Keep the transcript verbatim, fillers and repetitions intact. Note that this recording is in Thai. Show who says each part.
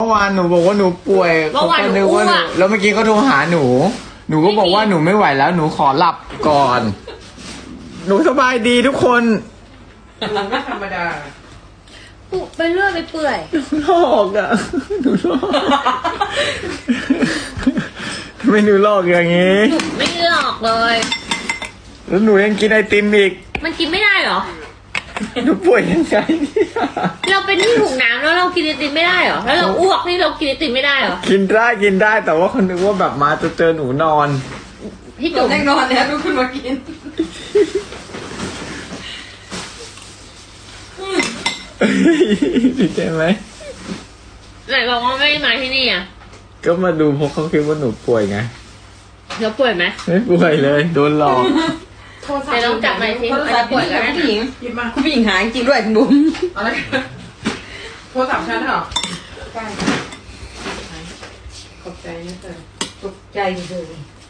Speaker 1: เมื่อวานหนูบอกว่าหนูป่วย
Speaker 2: เมื่อวาน
Speaker 1: ก็
Speaker 2: หนู
Speaker 1: นึกว่าหนู
Speaker 2: อ้วก
Speaker 1: แล้วเมื่อกี้เขาโทรหาหนู หนูก็บอกว่าหนูไม่ไหวแล้วหนูขอหลับก่อน หนูสบายดีทุกคน
Speaker 3: หนูไม่ธรรมดา
Speaker 2: ปุไปเรื่อยไปเปื่อย
Speaker 1: หลอกอ่ะหนูหลอกทำไมหนูหลอกอย่างงี้
Speaker 2: ไม่หลอกเลย
Speaker 1: แล้วหนูยังกินไอติมอีก
Speaker 2: มันกินไม่ได้เหรอ
Speaker 1: หนูป่วยยังไงเนี่ย
Speaker 2: เราเป็นที่ถุงน้ำแล้วเรากินไอติมไม่ได้เหรอแล้วเราอ้วกนี่เรากินไอติมไม่ได้เหรอ
Speaker 1: กินได้กินได้แต่ว่าคนนึกว่าแบบมาจะเจอหนูนอน
Speaker 2: พี่
Speaker 3: จุ
Speaker 2: จุ๋
Speaker 3: ก
Speaker 2: ม
Speaker 3: แน่นอนแล้วทุกคนมากิน
Speaker 1: ดีใจไหม
Speaker 2: ไหนบอกว่าไม่ได้มาที่นี่อ่ะ
Speaker 1: ก็มาดูเพราะเขาคิดว่าหนูป่วยไง
Speaker 2: เราป่วยไหม
Speaker 1: ไม่ป่วยเลย โดนหลอก
Speaker 3: โทรศัพ
Speaker 2: ไหน
Speaker 3: ท์
Speaker 2: ลองจับหน่อยสิ
Speaker 3: โทรศัพท์
Speaker 2: ป่วยกันนะ
Speaker 3: ผู้หญิงหยิบมาคุณผู้หญิงหายจริงด้วยคุณบุ๋มอะไรโทรศัพท์ฉันเหรอใช่ขอบใจนะเธอตกใจเลย